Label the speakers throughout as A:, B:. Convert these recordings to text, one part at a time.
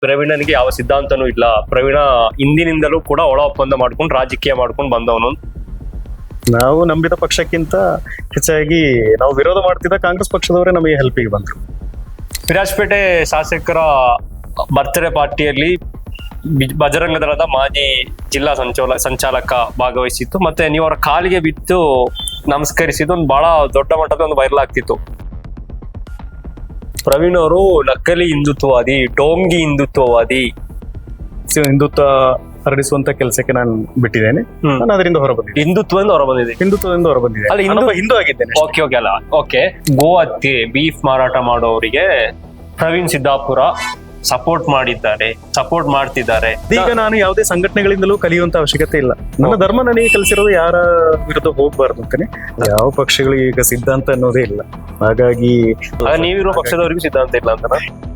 A: ಪ್ರವೀಣನಿಗೆ ಯಾವ ಸಿದ್ಧಾಂತನೂ ಇಲ್ಲ. ಪ್ರವೀಣ ಹಿಂದಿನಿಂದಲೂ ಕೂಡ ಒಳ ಒಪ್ಪಂದ ಮಾಡ್ಕೊಂಡು ರಾಜಕೀಯ ಮಾಡ್ಕೊಂಡು ಬಂದವನು.
B: ನಾವು ನಂಬಿದ ಪಕ್ಷಕ್ಕಿಂತ ಹೆಚ್ಚಾಗಿ ನಾವು ವಿರೋಧ ಮಾಡ್ತಿದ್ದ ಕಾಂಗ್ರೆಸ್ ಪಕ್ಷದವರೇ ನಮಗೆ ಹೆಲ್ಪಿಗೆ ಬಂದ್ರು.
A: ವಿರಾಜಪೇಟೆ ಶಾಸಕರ ಬರ್ತ್ಡೇ ಪಾರ್ಟಿಯಲ್ಲಿ ಬಜರಂಗ ದಳದ ಮಾಜಿ ಜಿಲ್ಲಾ ಸಂಚಾಲಕ ಭಾಗವಹಿಸಿತ್ತು. ಮತ್ತೆ ನೀವು ಅವರ ಕಾಲಿಗೆ ಬಿದ್ದು ನಮಸ್ಕರಿಸಿದ್ದು ಒಂದು ಬಹಳ ದೊಡ್ಡ ಮಟ್ಟದ ಒಂದು ವೈರಲ್ ಆಗ್ತಿತ್ತು. ಪ್ರವೀಣ್ ಅವರು ನಕಲಿ ಹಿಂದುತ್ವವಾದಿ, ಡೋಂಗಿ ಹಿಂದುತ್ವವಾದಿ,
B: ಹಿಂದುತ್ವ ಹರಡಿಸುವಂತ ಕೆಲಸಕ್ಕೆ ನಾನು ಬಿಟ್ಟಿದ್ದೇನೆ. ನಾನು ಅದರಿಂದ ಹೊರಬಂದಿದ್ದೆ,
A: ಹಿಂದುತ್ವದಿಂದ ಹೊರಬಂದಿದೆ.
B: ಅಲ್ಲ, ಹಿಂದೂ ಆಗಿದ್ದೇನೆ.
A: ಓಕೆ. ಗೋ ಹತ್ಯೆ, ಬೀಫ್ ಮಾರಾಟ ಮಾಡೋರಿಗೆ ಪ್ರವೀಣ್ ಸಿದ್ದಾಪುರ ಸಪೋರ್ಟ್ ಮಾಡ್ತಿದ್ದಾರೆ.
B: ಈಗ ನಾನು ಯಾವುದೇ ಸಂಘಟನೆಗಳಿಂದಲೂ ಕಲಿಯುವಂತ ಅವಶ್ಯಕತೆ ಇಲ್ಲ. ನನ್ನ ಧರ್ಮ ನನಗೆ ಕಲಿಸಿರೋದು ಯಾರ ವಿರುದ್ಧ ಹೋಗ್ಬಾರ್ದು ಅಂತಾನೆ. ಯಾವ ಪಕ್ಷಗಳಿಗೆ ಈಗ ಸಿದ್ಧಾಂತ ಅನ್ನೋದೇ ಇಲ್ಲ. ಹಾಗಾಗಿ
A: ನೀವಿರೋ ಪಕ್ಷದವರಿಗೂ ಸಿದ್ಧಾಂತ ಇಲ್ಲ ಅಂತ.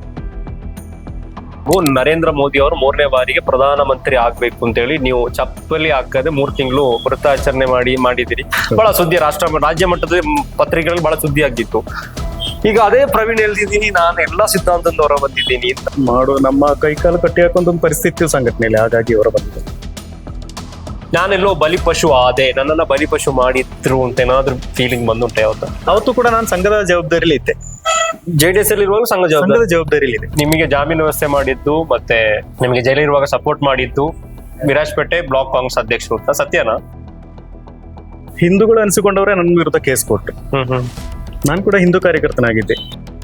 A: ನರೇಂದ್ರ ಮೋದಿ ಅವರು 3ನೇ ಬಾರಿಗೆ ಪ್ರಧಾನಮಂತ್ರಿ ಆಗ್ಬೇಕು ಅಂತ ಹೇಳಿ ನೀವು ಚಪ್ಪಲಿ ಹಾಕದೆ 3 ತಿಂಗಳು ವ್ರತಾಚರಣೆ ಮಾಡಿದಿರಿ. ಬಹಳ ಸುದ್ದಿ ರಾಜ್ಯ ಮಟ್ಟದ ಪತ್ರಿಕೆಗಳಲ್ಲಿ ಬಹಳ ಸುದ್ದಿ ಆಗಿತ್ತು. ಈಗ ಅದೇ ಪ್ರವೀಣ್ ಹೇಳ್ತಿದ್ದೀನಿ, ನಾನು ಎಲ್ಲಾ ಸಿದ್ಧಾಂತದಿಂದ ಹೊರ ಬಂದಿದ್ದೀನಿ ಅಂತ.
B: ನಮ್ಮ ಕೈಕಾಲು ಕಟ್ಟಿ ಹಾಕೊಂಡ್ ಒಂದು ಪರಿಸ್ಥಿತಿ ಸಂಘಟನೆಯಲ್ಲಿ, ಹಾಗಾಗಿ ಹೊರ ಬಂದಿದ್ದೆ.
A: ನಾನೆಲ್ಲೋ ಬಲಿಪಶು ಆದೆ, ನನ್ನನ್ನ ಬಲಿಪಶು ಮಾಡಿದ್ರು ಅಂತ ಏನಾದ್ರು ಫೀಲಿಂಗ್ ಬಂದುಂಟೆ?
B: ಅವತ್ತು ಕೂಡ ನಾನು ಸಂಘದ ಜವಾಬ್ದಾರಿಲಿ ಇದ್ದೆ.
A: JDS ಅಲ್ಲಿ ಇರುವಾಗ ಸಂಘದ
B: ಜವಾಬ್ದಾರಿಲಿ ಇದೆ.
A: ನಿಮಗೆ ಜಾಮೀನು ವ್ಯವಸ್ಥೆ ಮಾಡಿದ್ದು ಮತ್ತೆ ನಿಮಗೆ ಜೈಲಿರುವಾಗ ಸಪೋರ್ಟ್ ಮಾಡಿದ್ದು ವಿರಾಜಪೇಟೆ ಬ್ಲಾಕ್ ಕಾಂಗ್ರೆಸ್ ಅಧ್ಯಕ್ಷರು ಅಂತ ಸತ್ಯನಾ?
B: ಹಿಂದೂಗಳು ಅನಿಸಿಕೊಂಡವರೇ ನನ್ನ ವಿರುದ್ಧ ಕೇಸ್ ಕೊಟ್ಟರು. ನಾನು ಕೂಡ ಹಿಂದೂ ಕಾರ್ಯಕರ್ತನಾಗಿದ್ದೆ.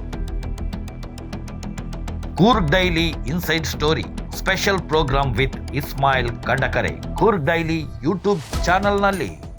C: Coorg daily inside story special programme with Ismail Kandakare Coorg daily YouTube ಚಾನೆಲ್ನಲ್ಲಿ.